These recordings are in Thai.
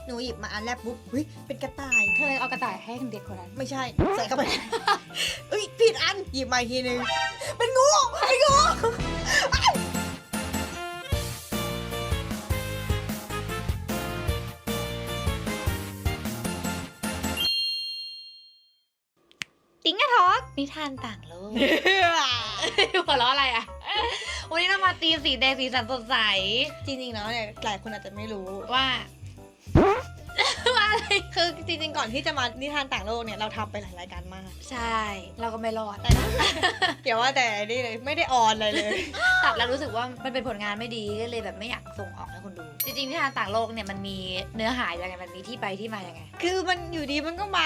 หนูหยิบมาอันแรกปุ๊บเฮ้ยเป็นกระต่ายเธอเลยเอากระต่ายให้เด็กคนนั้นไม่ใช่ใส่เข้าไปเอ้ยผิดอันหยิบมาอีกทีนึงเป็นงูเป็นงูติ๊งกระทอกนิทานต่างโลก หัวเราะอะไรอ่ะ วันนี้เรามาตีมสีแดงสีสันสดใสจริงๆแล้วเนี่ยหลายคนอาจจะไม่รู้ว่า ว่าอะไรคือจริงๆก่อนที่จะมานิทานต่างโลกเนี่ยเราทำไปหลายรายการมากใช่ เราก็ไม่รอดเดี๋ยวว่าแต่นี่เลยไม่ได้ออนอะไรเลยตัดแล้วรู้สึกว่ามันเป็นผลงานไม่ดีก็เลยแบบไม่อยากส่งออกให้คนดู จริงๆนิทานต่างโลกเนี่ยมันมีเนื้อหายังไงมันมีที่ไปที่มายังไงคือมันอยู่ดีมันก็มา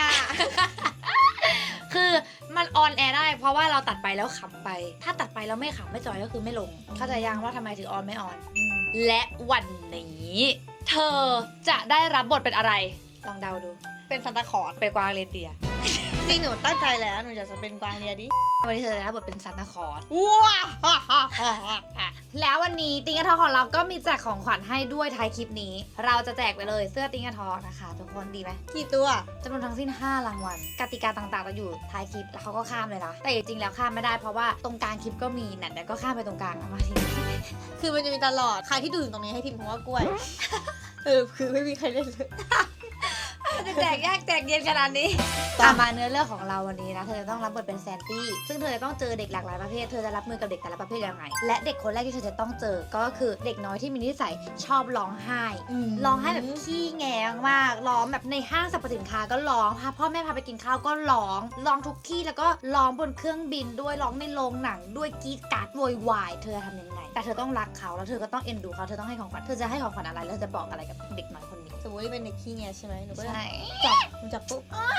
คือมันออนแอร์ได้เพราะว่าเราตัดไปแล้วขำไป ถ้าตัดไปแล้วไม่ขำไม่จอยก็คือไม่ลง เข้าใจยังว่าทำไมถึงออนไม่ออน และวันนี้เธอจะได้รับบทเป็นอะไร ลองเดาดูเป็นซันตาคลอร์สเป็นกวางเรนเดียร์จริงหนูตั้งใจแล้วหนูอยากจะเป็นกวางเลียดิวันนี้เธอจะได้รับบทเป็นซานตาคลอร์สว้าฮ่าฮ่าฮ่าฮ่าแล้ววันนี้ติ๊งกระทอของเราก็มีแจกของขวัญให้ด้วยท้ายคลิปนี้ เราจะแจกไปเลยเสื้อติ๊งกระทอนะคะทุกคนดีไหมกี่ตัวจำนวนทั้งสิ้น5รางวัลกติกาต่างๆเราอยู่ท้ายคลิปแล้วเขาก็ข้ามเลยนะแต่จริงๆแล้วข้ามไม่ได้เพราะว่าตรงกลางคลิปก็มีนั่นแล้วก็ข้ามไปตรงกลางเอามาทีคือมันจะมีตลอด ใครที่ดูถึงตรงนี้ให้พิมพ์คำว่ากล้วย คือไม่มีใครเล่นเลยจะแจกยากแจกเย็นขนาดนี้ต่อมาเนื้อเรื่องของเราวันนี้นะเธอจะต้องรับบทเป็นแซนตี้ซึ่งเธอจะต้องเจอเด็กหลากหลายประเภทเธอจะรับมือกับเด็กแต่ละประเภทยังไงและเด็กคนแรกที่เธอจะต้องเจอก็คือเด็กน้อยที่มีนิสัยชอบร้องไห้ร้องไห้แบบขี้แงมากร้องแบบในห้างสรรพสินค้าก็ร้องพาพ่อแม่พาไปกินข้าวก็ร้องทุกที่แล้วก็ร้องบนเครื่องบินด้วยร้องในโรงหนังด้วยกรีดกราร์ดโวยวายเธอทำยังไงแต่เธอต้องรักเขาแล้วเธอก็ต้องเอ็นดูเขาเธอต้องให้ของขวัญเธอจะให้ของขวัญอะไรแล้วเธอจะบอกอะไรกับเด็กน้อยคนนี้สมมติว่าเป็นเด็กขี้แงใช่ไหมหนูก็จะใช่จับปุ๊บ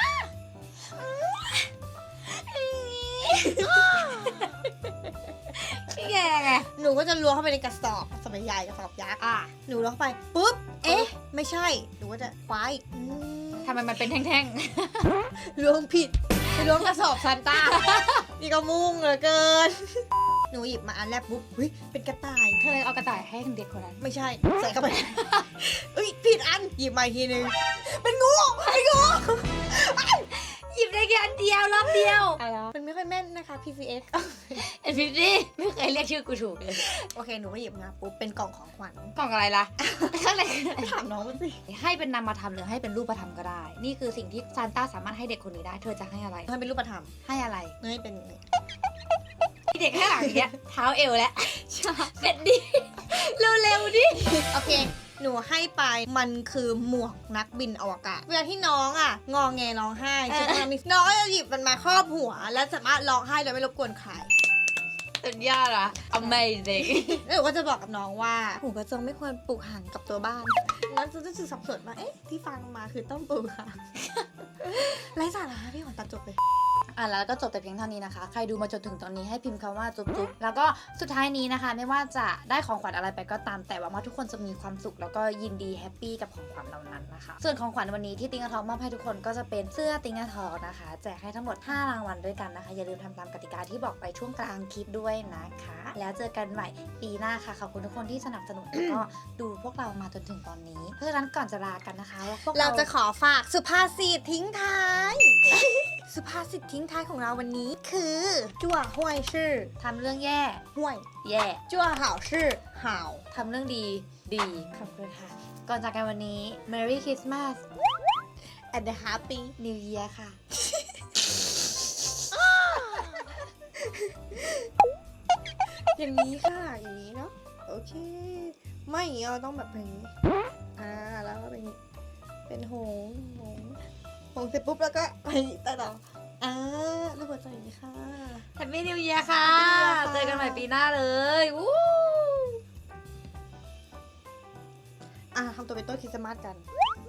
พี่แกไงหนูก็จะล้วงเข้าไปในกระสอบใหญ่กระสอบยักษ์หนูล้วงเข้าไปปุ๊บเอ๊ะไม่ใช่หนูก็จะคว้าอีกทำไมมันเป็นแท่งล้วงผิดไปล้วงกระสอบซานต้า นี่ก็มุ่งเหลือเกิน หนูหยิบมาอันแรกปุ๊บเฮ้ยเป็นกระต่ายๆ เธอเลยเอากระต่ายให้เด็กคนนั้นไม่ใช่ใส่เข้าไป เอ้ยผิดอันหยิบมาอีกทีนึงเป็นงูเป็นงูหยิบได้แค่อันเดียวรอบเดียวมันไม่ค่อยแม่นนะคะ PCX เอ็นฟิฟี่ไม่เคยเรียกชื่อกูถูกเลยโอเคหนูก็หยิบมาปุ๊บเป็นกล่องของขวัญกล่องอะไรล่ะ ข้างในถามน้องมันสิให้เป็นนามธรรมหรือให้เป็นรูปธรรมก็ได้ นี่คือสิ่งที่ซานต้าสามารถให้เด็กคนนี้ได้ เธอจะให้อะไรให้เป็นรูปธรรมให้อะไรให้เป็นนี่เด็กข้างหลังเนี้ยเท้าเอวแล้วเสร็จดิเร็วๆดิโอเค หนูให้ไปมันคือหมวกนักบินอวกาศเวลาที่น้องอ่ะงอแงร้องไห้ใช่ไหมน้องก็จะหยิบมันมาครอบหัว แล้วสามารถร้องไห้โดยไม่รบกวนใครสุดยอดอะ amazing แล้วหนูก็จะบอกกับน้องว่าหูกระจงไม่ควรปลูกห่างกับตัวบ้านนั้นจะรู้สึกสับสนว่าเอ๊ะที่ฟังมาคือต้องปลูกห่าง ไร้สาระพี่ขอตัดจบเลยแล้วก็จบแต่เพียงเท่านี้นะคะ ใครดูมาจนถึงตอนนี้ให้พิมพ์คำว่าจุ๊บๆแล้วก็สุดท้ายนี้นะคะ ไม่ว่าจะได้ของขวัญอะไรไปก็ตามแต่หวังว่าทุกคนจะมีความสุขแล้วก็ยินดีแฮปปี้กับของขวัญเหล่านั้นนะคะ ส่วนของขวัญวันนี้ที่ติ๊งกระทองมอบให้ทุกคนก็จะเป็นเสื้อติ๊งกระทองนะคะแจกให้ทั้งหมด5รางวัลด้วยกันนะคะอย่าลืมทำตามกติกาที่บอกไปช่วงกลางคลิปด้วยนะคะ แล้วเจอกันใหม่ปีหน้าค่ะขอบคุณทุกคนที่สนับสนุน แล้วก็ดูพวกเรามาจนถึงตอนนี้ เพราะฉะนั้นก่อนจะลากันนะคะพวกเราจะขอฝากสุภาษิตทิ้งท้าย สุภาษิตทิ้งท้ายของเราวันนี้คือจั่วห่วยชื่อทำเรื่องแย่ห่วยแย่จั่วห่าวชื่อห่าวทำเรื่องดีดีขอบคุณค่ะ ก่อนจากกันวันนี้ Merry Christmas and the happy New Year ค่ะอย่างนี้ค่ะอย่างนี้เนาะโอเค ไม่อย่างนี้เราต้องแบบอย่างนี้แล้วก็เป็นอย่างนี้เป็นหงส์เสร็จปุ๊บแล้วก็ไปต่อรูปหัวใจอย่างนี้ค่ะ Happy New Year ค่ะ New Year ค่ะเจอกันใหม่ปีหน้าเลยวู้ทำตัวเป็นต้นคริสต์มาสกัน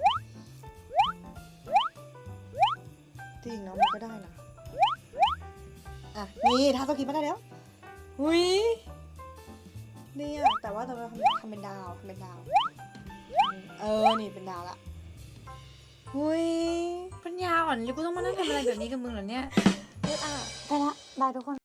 จริงเนาะมันก็ได้นะนี่ทาต้นคริสต์มาสได้แล้วหุยเนี่ยแต่ว่าเราทำเป็นดาวนี่เป็นดาวละหุยปัญญาอ่อนเลยกูต้องมานั่งทำอะไรแบบนี้กับมึงเหรอเนี่ยเลือดอ่ะไปละบายทุกคน